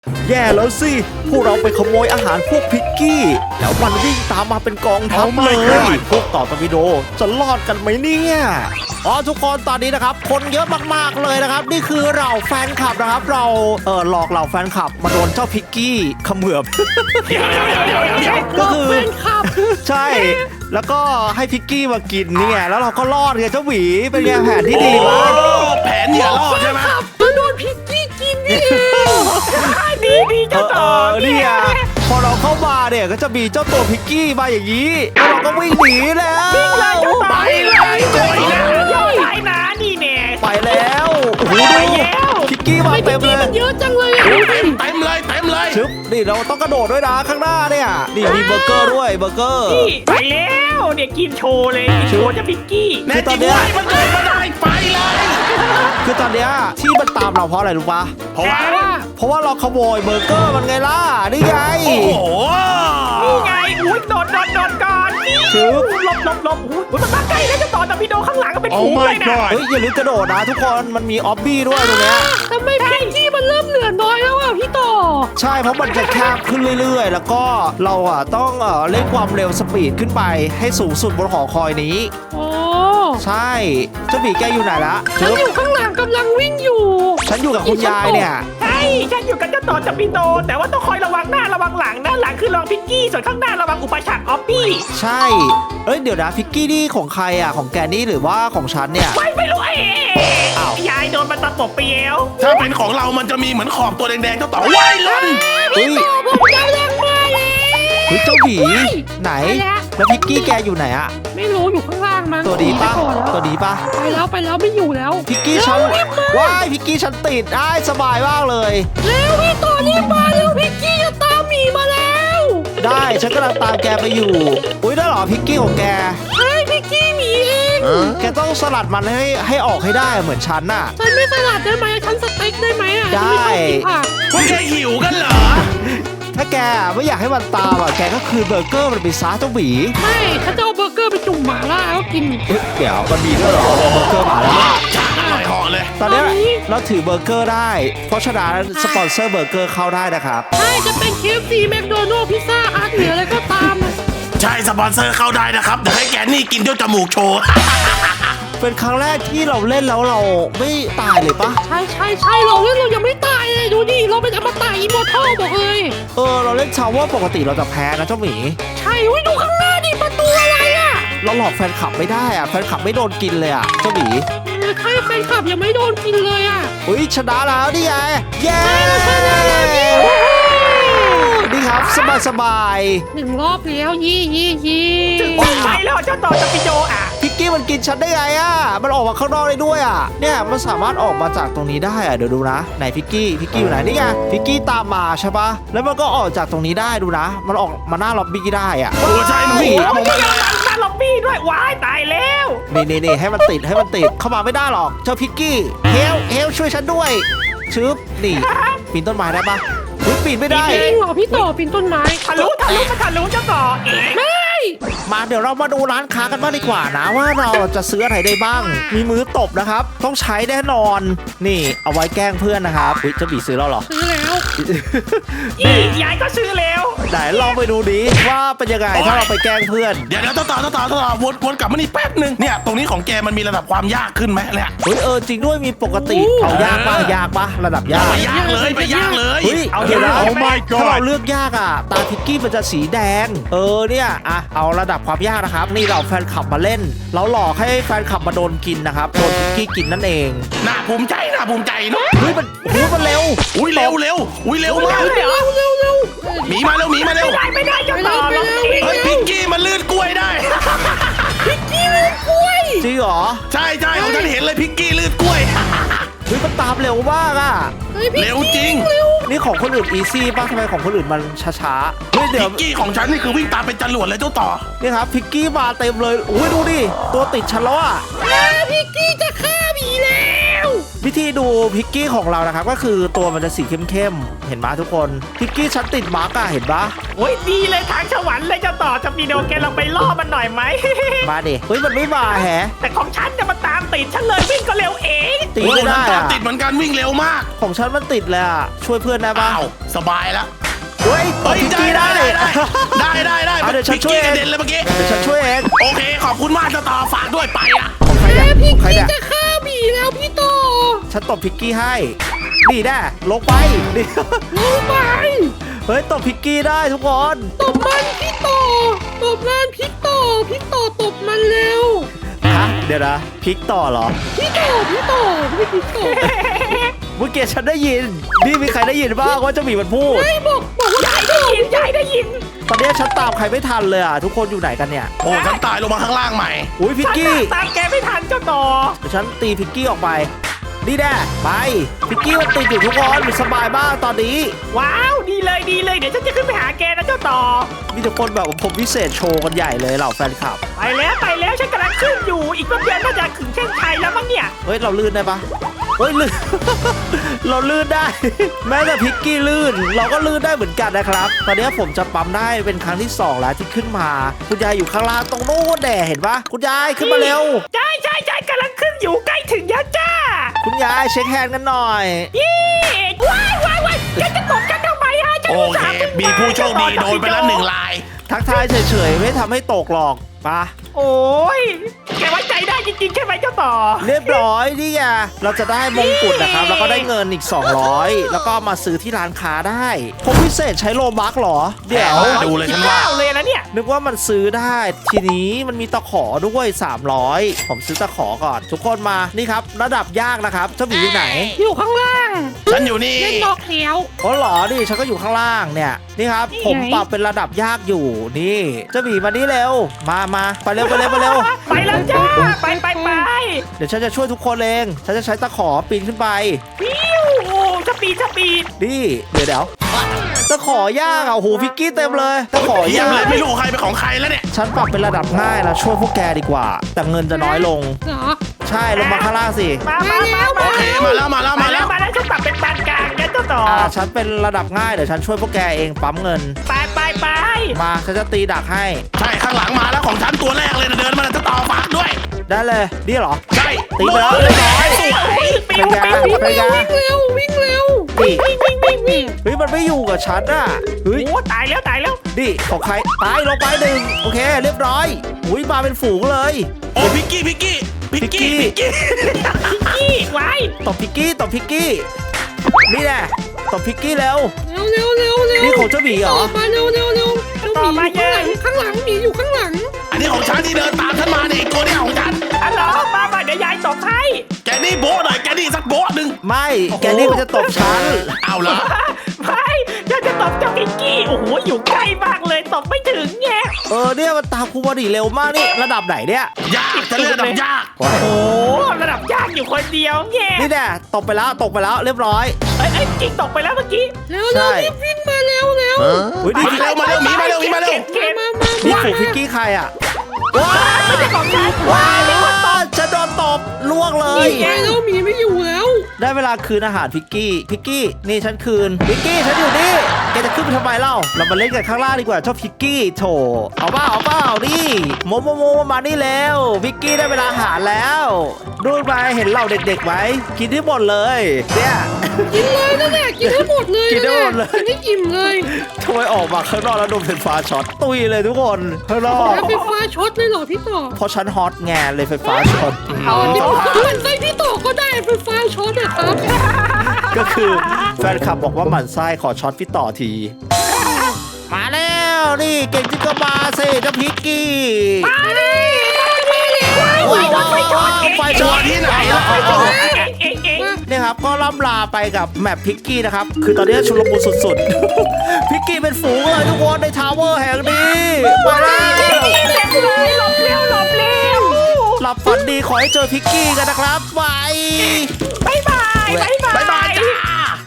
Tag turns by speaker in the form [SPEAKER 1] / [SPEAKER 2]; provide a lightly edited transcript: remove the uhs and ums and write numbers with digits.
[SPEAKER 1] แย่แล้วสิพวกเราไปขโมยอาหารพวกพิกกี้แล้วมันวิ่งตามมาเป็นกองทัพเลยพวกต่อตบิโดจะรอดกันไหมเนี่ยทุกคนตอนนี้นะครับคนเยอะมากๆเลยนะครับนี่คือเราแฟนคลับนะครับเราหลอกเราแฟนคลับมาโดนเจ้าพิกกี้เขมือบ
[SPEAKER 2] เดี๋ยว
[SPEAKER 1] ก็คือ
[SPEAKER 3] แฟนคลับ
[SPEAKER 1] ใช่แล้วก็ให้พิกกี้มากินเนี่ยแล้วเราก็รอดไงเจ้าหวีเป็นไงแผนที่ดีมาก
[SPEAKER 2] แผนอย่ารอดใช่ไหม
[SPEAKER 3] ก็โดนพิกกี้กินนี่ดีเจ้าต่อ
[SPEAKER 1] เนี่ยพอเราเข้ามาเนี่ยก็จะมีเจ้าตัวพิกกี้มาอย่างนี้แล้วเราก็วิ่งหนีแล้ว
[SPEAKER 2] ไปเลย
[SPEAKER 3] ไปนะนี่แน่
[SPEAKER 1] ไปแล้วโอ้โหพิกกี้มาเต็มเลย
[SPEAKER 3] มันเยอะจังเลย
[SPEAKER 2] เต็มเลย
[SPEAKER 1] ชึบนี่เราต้องกระโดดด้วยนะข้างหน้าเนี่ยนี่มีเบอร์เกอร์ด้วยเบอร์เกอร์
[SPEAKER 3] ไปแล้วเนี่ยกินโชว์เลยโชว์จะพิกกี้
[SPEAKER 1] คือตอนเนี้ย
[SPEAKER 2] มันเดินมาได้ไปเลย
[SPEAKER 1] คือตอนเนี้ยที่มันตามเราเพราะอะไรรู้ปะ
[SPEAKER 2] เพราะว่า
[SPEAKER 1] เราขโมยเบอร์เกอร์มันไงล่ะนี่ไง
[SPEAKER 2] โอ้โห
[SPEAKER 3] นี่ไงอุ้ยโดดก่อน
[SPEAKER 1] ชึบ
[SPEAKER 3] หลบอุ้ยมันมาใกล้แล้วจะต่อแต่พี่โดข้างหลังก็เป็นฝูงเลยนะ
[SPEAKER 1] เฮ้ยอย่าลืมกระโดดนะทุกคนมันมีออบบี้ด้วยตรงเนี้ย
[SPEAKER 3] ทำไมพิกกี้มันเริ่มเหลือน้อยแล้วอ่ะพี่ต่อ
[SPEAKER 1] ใช่เพราะมันจะแคบขึ้นเรื่อยๆแล้วก็เราต้องเร่งความเร็วสปีดขึ้นไปให้สูงสุดบนหอคอยนี้
[SPEAKER 3] โอ้
[SPEAKER 1] ใช่เจ้าบีแกอยู่ไหนละ
[SPEAKER 3] ฉันอยู่ข้างหลังกำลังวิ่งอยู่
[SPEAKER 1] ฉันอยู่กับคุณยายเนี่ย
[SPEAKER 3] ใช่ฉันอยู่กับเจ้าต่อจับปิโดแต่ว่าต้องคอยระวังหน้าระวังหลังนะหลังคือระวังพิกกี้ส่วนข้างหน้าระวังอุปสรรคออฟบี้
[SPEAKER 1] ใช่เดี๋ยวนะพิกกี้นี่ของใครของแกนี่หรือว่าของฉันเนี่ย
[SPEAKER 3] ไม่รู้ยายโดนมันตะปบเปียว
[SPEAKER 2] ถ้าเป็นของเรามันจะมีเหมือนขอบตัวแดงๆเจ้าต่อว่ายล้น
[SPEAKER 3] พี่ต่อผมจะแรงมาเลย
[SPEAKER 1] เจ้าบีไหนแล้วพิกกี้แกอยู่ไหน
[SPEAKER 3] ไม่รู้อยู่ข้างล่างมั้ง
[SPEAKER 1] ตัวดีปะ
[SPEAKER 3] ไปแล้วไม่อยู่แล้ว
[SPEAKER 1] พิกกี้ฉันว้ายพิกกี้ฉันติดได้สบายมากเลย
[SPEAKER 3] แล้วพี่ต่อรีบมาแล้วพิกกี้จะตามหมีมาแล้ว
[SPEAKER 1] ได้ฉันกำลังตามแกไปอยู่อุ้ยได้หรอพิกกี้ของแก
[SPEAKER 3] ใช่พิกกี้หมีเอง
[SPEAKER 1] แกต้องสลัดมันให้ออกให้ได้เหมือนฉันน่ะ
[SPEAKER 3] ฉันไม่สลัดได้ไหมฉันสเต็กได้ไหม
[SPEAKER 1] ได้
[SPEAKER 2] พวกแกหิวกันเหรอ
[SPEAKER 1] ถ้าแกไม่อยากให้มันตามแกก็คืนเบอร์เกอร์มันไปซะเจ้าหวี
[SPEAKER 3] ไม่ถ้าจะเอาเบอร์เกอร์ไปจุ่มหม่าล่าแล้วกิน
[SPEAKER 1] เดี๋ยวมันมีด้วยเหรอเบอร์เกอร์หม่าล่า
[SPEAKER 2] อร่อยห่อเลย
[SPEAKER 1] ตอนนี้เราถือเบอร์เกอร์ได้เพราะฉะนั้นสปอนเซอร์เบอร์เกอร์เข้าได้นะครับ
[SPEAKER 3] ใช่จะเป็น KFC แมคโดนัลด์พิซซ่าฮัทหรืออะไรก็ตาม
[SPEAKER 2] ใช่สปอนเซอร์เข้าได้นะครับเดี๋ยวให้แกนี่กินด้วยจมูกโชว์
[SPEAKER 1] เป็นครั้งแรกที่เราเล่นแล้วเราไม่ตายเลยปะ
[SPEAKER 3] ใช่เราเล่นเรายังไม่ตายเลยดูดิเราเป็นอมตะอิมมอร์ทัลบอกเลย
[SPEAKER 1] เราเล่นชาวว่าปกติเราจะแพ้นะเจ้าหมี
[SPEAKER 3] ใช่ดูข้างหน้าดิประตูอะไร
[SPEAKER 1] เราหลอกแฟนคลับไม่ได้แฟนคลับไม่โดนกินเลยเจ้าหมี
[SPEAKER 3] ใช่แฟนคลับยังไม่โดนกินเลย
[SPEAKER 1] อุ้ยชนะแล้วนี่ไงเย้นี่ครับสบาย
[SPEAKER 3] หนึ่งรอบแล้วยี่ถึงไปแล้วเจ้าต่อจะไปโจ
[SPEAKER 1] พิกกี้มันกินฉันได้ไงมันออกมาข้างนอกได้ด้วยเนี่ยมันสามารถออกมาจากตรงนี้ได้เดี๋ยวดูนะไหนพิกกี้อยู่ไหนนี่ไงพิกกี้ตามมาใช่ปะแล้วมันก็ออกจากตรงนี้ได้ดูนะมันออกมาหน้าล็อบบี้ได้
[SPEAKER 2] ใช่มัน
[SPEAKER 3] มีหน้าล็อบบี้ด้วยว้ายตายแล้ว
[SPEAKER 1] นี่ให้มันติดเข้ามาไม่ได้หรอกเจ้าพิกกี้เฮลช่วยฉันด้วยชึบนี่ปีนต้นไม้ได้ปะปีนไม่ได้
[SPEAKER 3] จริงเหรอพี่ต่อปีนต้นไม้ทะลุเจ้าต่อไม่
[SPEAKER 1] มาเดี๋ยวเรามาดูร้านค้ากันบ้างดีกว่านะว่าเราจะซื้ออะไรได้บ้างมีมือตบนะครับต้องใช้แน่นอนนี่เอาไว้แกล้งเพื่อนนะครับจะบีซื้อแล้วหรอ
[SPEAKER 3] ซื้อแล้วยายก็ซื้อแล้ว
[SPEAKER 1] ไหนลองไปดูดิว่าเป็นยังไงถ้าเราไปแกล้งเพื่อน
[SPEAKER 2] เดี๋ยวต่อวนกลับมานี่แป๊บนึงเนี่ยตรงนี้ของแกมันมีระดับความยากขึ้นไหมเนี่ย
[SPEAKER 1] จริงด้วยมีปกติเอายากปะระดับยาก
[SPEAKER 2] ไปยากเลย
[SPEAKER 1] เอาเดี๋ยวนะถ้าเราเลือกยากตาพิกกี้มันจะสีแดงเนี่ยเอาระดับความยากนะครับนี่เราแฟนคลับมาเล่นเราหลอกให้แฟนคลับมาโดนกินนะครับโดนพิกกี้กินนั่นเอง
[SPEAKER 2] น่าภูมิใจเนาะ
[SPEAKER 1] มันเร็ว
[SPEAKER 2] เร็วมากหมีมาเร็ว
[SPEAKER 3] ไม่ได้จะต่อ
[SPEAKER 2] เฮ้ยพิกกี้มันลื่นกล้วยได้
[SPEAKER 3] พิกกี้ลื่นกล้วย
[SPEAKER 1] จริงเหรอ
[SPEAKER 2] ใช่ของฉันเห็นเลยพิกกี้ลื่นกล้วย
[SPEAKER 1] มันตามเร็วมาก
[SPEAKER 2] เร็วจริง
[SPEAKER 1] นี่ของคนอื่นอีซี่ป่ะทำไมของคนอื่นมันช้า
[SPEAKER 2] เดี๋ยวพิกกี้ของฉันนี่คือวิ่งตามเป็นจรวดเลยเจ้าต่อ
[SPEAKER 1] นี่ครับพิกกี้มาเต็มเลยดูดิตัวติดฉันแล้ว
[SPEAKER 3] พิกกี้จะฆ่าหมีแล้ว
[SPEAKER 1] วิธีดูพิกกี้ของเรานะครับก็คือตัวมันจะสีเข้มๆเห็นไหมทุกคนพิกกี้ฉันติดมาร์กอะเห็นปะ
[SPEAKER 3] โอ้ยดีเลยทางสวรรค์เลยเจ้าต่อจะปีโดแกลองไปล่อมันหน่อยไหม
[SPEAKER 1] มาดิเฮ้ยมันไม่มาแฮะ
[SPEAKER 3] แต่ของฉันจะมาตามติดฉันเลยวิ่งก็เร็วเอง
[SPEAKER 1] ตี
[SPEAKER 2] โอ้
[SPEAKER 1] ไม่
[SPEAKER 2] ฉัน
[SPEAKER 1] ได้
[SPEAKER 2] ตาม
[SPEAKER 1] อะ
[SPEAKER 2] ติดเหมือนกันวิ่งเร็วมาก
[SPEAKER 1] ของฉันมันติดเลยอะช่วยเพื่อนได้ปะ
[SPEAKER 2] อ้าวสบายแล้ว
[SPEAKER 1] เฮ้ยตบพิกกี้ได้
[SPEAKER 2] ได้
[SPEAKER 1] เอาเดี๋ยวฉัน
[SPEAKER 2] พิก
[SPEAKER 1] ช่วย
[SPEAKER 2] กี้
[SPEAKER 1] เอก ง
[SPEAKER 2] ระเด็นเลยเมื่อกี้
[SPEAKER 1] เดี๋ยวฉันช่วยเอง
[SPEAKER 2] โอเคขอบคุณมากเจ้าต่อฝากด้วยไปอ่ะ
[SPEAKER 1] ของใครเนี่ย
[SPEAKER 4] พี่
[SPEAKER 1] ของใคร
[SPEAKER 4] กี้
[SPEAKER 1] เนี่ย
[SPEAKER 4] จะฆ่าหมีแล้วพี่ต่อ
[SPEAKER 1] ฉันตบพิกกี้ให้นี่แน่ลงไปนี่
[SPEAKER 4] ลงไป
[SPEAKER 1] เฮ้ยตบพิกกี้ได้ทุกคน
[SPEAKER 4] ตบมันพี่ต่อตบมันพี่ต่อตบมันเร็ว
[SPEAKER 1] ฮะเดี๋ยวนะพลิกต่อเหรอ
[SPEAKER 4] พี่ต่อพี่ต่อ
[SPEAKER 1] เมื่อกี้ฉันได้ยินนี่มีใครได้ยินบ้างว่าเจะมีมันพูด
[SPEAKER 4] ไม่บอกว่า
[SPEAKER 3] ยายได้ยินยายได้ยิน
[SPEAKER 1] ตอนนี้ฉันตามใครไม่ทันเลยอ่ะทุกคนอยู่ไหนกันเนี่ย
[SPEAKER 2] โอ้ฉันตายลงมาข้างล่างใหม่
[SPEAKER 1] อุ้ยพิก
[SPEAKER 3] ฉัน
[SPEAKER 1] กี้
[SPEAKER 3] น่ะตามแกไม่ทันเจ้าต่อ
[SPEAKER 1] เดี๋ยวฉันตีพิกกี้ออกไปนี่แน่ไปพิกกี้มันติดอยู่ทุกคนสบายมากตอนนี้
[SPEAKER 3] ว้าวดีเลยเดี๋ยวฉันจะขึ้นไปหาแกนะเจ้าต่อ
[SPEAKER 1] มีแต่คนแบบผมพิเศษโชว์กันใหญ่เลยเหล่าแฟนคลับ
[SPEAKER 3] ไปแล้วฉันกำลังขึ้นอยู่อีกแป๊บเดียวน่าจะถึงเส้นชัยแล้วมั้งเนี่ย
[SPEAKER 1] เฮ้ยเราลื่นได้ปะเฮ้ยลื่น เราลื่นได้ แม้แต่พิกกี้ลื่น เราก็ลื่นได้เหมือนกันนะครับ ตอนนี้ผมจะปั๊มได้เป็นครั้งที่2แล้วที่ขึ้นมาคุณยายอยู่ข้างล่างตรงโน้นแด่เห็นปะคุณยายขึ้นมาเร็ว
[SPEAKER 3] ใช่กำลังขึ้นอยู่ใกล้ถึงแล้วจ้า
[SPEAKER 1] คุณยายเช็คแฮนด์กันหน่อย
[SPEAKER 3] ยี่ว้ายแกจะตบกันทำไมฮะฉัน
[SPEAKER 2] โอ
[SPEAKER 3] อุต
[SPEAKER 2] เค
[SPEAKER 3] ส่าห์ขึ้น
[SPEAKER 2] มีผู้โชคดีโดนไปแล้ว1 ราย
[SPEAKER 1] ทักทายเฉยๆไม่ทำให้ตกหรอกปะ
[SPEAKER 3] โอ้ยแกไว้ใจได้จริงๆใช่ไหมเจ้าต่อ
[SPEAKER 1] เรียบร้อยนี่ไงเราจะได้มงกุฎนะครับ แล้วก็ได้เงินอีก 200 แล้วก็มาซื้อที่ร้านค้าได้ผมพิเศษใช้โลบัคเหรอ เดี๋ยว
[SPEAKER 2] ดูเลยฉันว่า
[SPEAKER 3] 19เลยนะเนี่ย
[SPEAKER 1] นึกว่ามันซื้อได้ ทีนี้มันมีตะขอด้วย 300 ผมซื้อตะขอก่อน ทุกคนมานี่ครับ ระดับยากนะครับเจ้าหมีอยู่ไหน
[SPEAKER 4] อยู่ข้างล่าง
[SPEAKER 2] ฉันอยู่นี่
[SPEAKER 4] เล่นนอกแล้ว
[SPEAKER 1] อ๋อเหรอนี่ฉันก็อยู่ข้างล่างเนี่ยนี่ครับ
[SPEAKER 4] นี่ไง
[SPEAKER 1] ผมปรับเป็นระดับยากอยู่นี่เจ้าหมีมานี่เร็วมาไปเร็วไปเร็ว
[SPEAKER 3] ไปแล้วจ้าไป
[SPEAKER 1] เดี๋ยวฉันจะช่วยทุกคนเองฉันจะใช้ตะขอปีนขึ้นไป
[SPEAKER 3] ปิ้วสปีด
[SPEAKER 1] นี่เดี๋ยวตะขอยากอ่ะโอ้โหพิกกี้เต็มเลยตะขอ
[SPEAKER 2] เยี่ย
[SPEAKER 1] ยาม
[SPEAKER 2] เลย
[SPEAKER 1] ก
[SPEAKER 2] ไม่รู้ใครเป็นของใครแล้วเนี่ย
[SPEAKER 1] ฉันปรับเป็นระดับง่ายแล้วช่วยพวกแกดีกว่า แต่เงินจะน้อยลง
[SPEAKER 4] เหรอ
[SPEAKER 1] ใช่ลงมาข้างล่างสิ
[SPEAKER 3] มา
[SPEAKER 2] โอเคมาแล้ว
[SPEAKER 3] ฉันปรับเป็นปานกลางนะเจ้าต่อ
[SPEAKER 1] ฉันเป็นระดับง่ายเดี๋ยวฉันช่วยพวกแกเองปั๊มเงิน
[SPEAKER 3] ไป
[SPEAKER 1] มาฉันจะตีดักให้
[SPEAKER 2] ใช่ข้างหลังมาแล้วของฉันตัวแรกเลยนะเดินมาแล้วเจ้าต่อฝากด้วย
[SPEAKER 1] ได้เลยนี่เหรอ
[SPEAKER 2] ใช่
[SPEAKER 1] ตีไปแล้วเรียบร้อย
[SPEAKER 3] ปิ้ว
[SPEAKER 1] เป็นไง
[SPEAKER 4] วิ่งเร็ว
[SPEAKER 1] นี่
[SPEAKER 3] วิ่ง
[SPEAKER 1] เฮ้ยมันไม่อยู่กับฉันอ่ะเฮ้ย
[SPEAKER 3] โอ้ตายแล้ว
[SPEAKER 1] นี่ของใครตายลงไปหนึ่งโอเคเรียบร้อยอุ้ยมาเป็นฝูงเลย
[SPEAKER 2] โอ้พิกกี้
[SPEAKER 3] นี่ไว้
[SPEAKER 1] ตบพิกกี้นี่แหละตบพิกกี้แล้ว
[SPEAKER 4] เร็ว
[SPEAKER 1] นี่ของเจ้าหมีเหรอ
[SPEAKER 4] มาเร็วเจ้าหมีอยู่ข้างหลังหมีอยู่ข้างหลัง
[SPEAKER 2] อันนี้ของฉันที่เดินตามฉันมาเนี่ยตัวนี้ของฉัน
[SPEAKER 3] อันเหรอมาเดี๋ยวยายตบให้
[SPEAKER 2] แกนี่โบ๊ะหน่อยแกนี่สักโบ๊ะหนึ่ง
[SPEAKER 1] ไม่แกนี่มันจะตบฉัน
[SPEAKER 2] เอาละ
[SPEAKER 3] ไม่ฉันจะตบเจ้าพิกกี้โอ้โหอยู่ใกล้มากเลยตบไม่ถึงไง
[SPEAKER 1] เนี่ยมันตามครูบอดีเร็วมากนี่ระดับไหนเนี่ย
[SPEAKER 2] ยากจะเลือกระดับยาก
[SPEAKER 3] โอ้โหระดับยากอยู่คนเดียวไง
[SPEAKER 1] นี่แน่ตกไปแล้วเรียบร้อย
[SPEAKER 3] เอ้ยจริงตกไปแล้วเมื่อกี้
[SPEAKER 4] เร็วรีบวิ่งมาเร็ว
[SPEAKER 1] อุ้ยนี่
[SPEAKER 2] มาเร็วหมีมาเร็ว
[SPEAKER 3] เก็บ
[SPEAKER 4] มา
[SPEAKER 1] นี่ฝูงพิกกี้ใครอ่ะว้า
[SPEAKER 3] ไม่ใช่ของฉันว้ายมีคนตบ
[SPEAKER 1] ฉันโดนตบล่วงเลย
[SPEAKER 4] ไปแล้วหมีไม่อยู่แล้ว
[SPEAKER 1] ได้เวลาคืนอาหารพิกกี้นี่ฉันคืนพิกกี้ฉันอยู่นี่แกจะขึ้นไปทำไมเล่าเรามาเล่นกันข้างล่างดีกว่าชอบพิกกี้โถเอาเปล่านี่โมมานี่แล้วพิกกี้ได้เวลาอาหารแล้วดูไปเห็นเราเด็กๆไหมกินที่หมดเลยเนี่ย
[SPEAKER 4] กินเลยนั่นแหละกินให้หมดเลย
[SPEAKER 1] กินได้หมดเลย
[SPEAKER 4] กินให้อิ่มเลย
[SPEAKER 1] ทำไมออกมาข้างนอกแล้วโดนไฟฟ้าช็อตตุยเลยทุกคนข้างนอก
[SPEAKER 4] แล้วไฟฟ้าช็อตเลยเหรอพี่ต่อ
[SPEAKER 1] เพราะฉันฮอตแงเลยไฟฟ้าช็อต
[SPEAKER 4] เอาที่มันไส้พี่ต่อก็ได้ไฟฟ้าช็อตอะครับ
[SPEAKER 1] ก็คือแฟนคลับบอกว่าหมั่นไส้ขอช็อตพี่ต่อที มาแล้วนี่เก่งจริงก็มาสิเจ้าพิกกี้
[SPEAKER 3] ไฟช็อต
[SPEAKER 1] ไฟช็อต
[SPEAKER 2] ที่ไหน
[SPEAKER 3] เอง
[SPEAKER 1] เนี่ยครับก็ล่ำลาไปกับแมปพิกกี้นะครับ คือตอนนี้ชุลมุนสุดๆ พิกกี้เป็นฝูงเลยทุกคนในทาวเวอร์แห่งนี้มาแล้ว
[SPEAKER 3] หลบเร็ว
[SPEAKER 1] หลับฝันดีขอให้เจอพิกกี้กันนะครับบาย
[SPEAKER 3] บ๊ายบาย
[SPEAKER 2] บ๊ายบายจ้า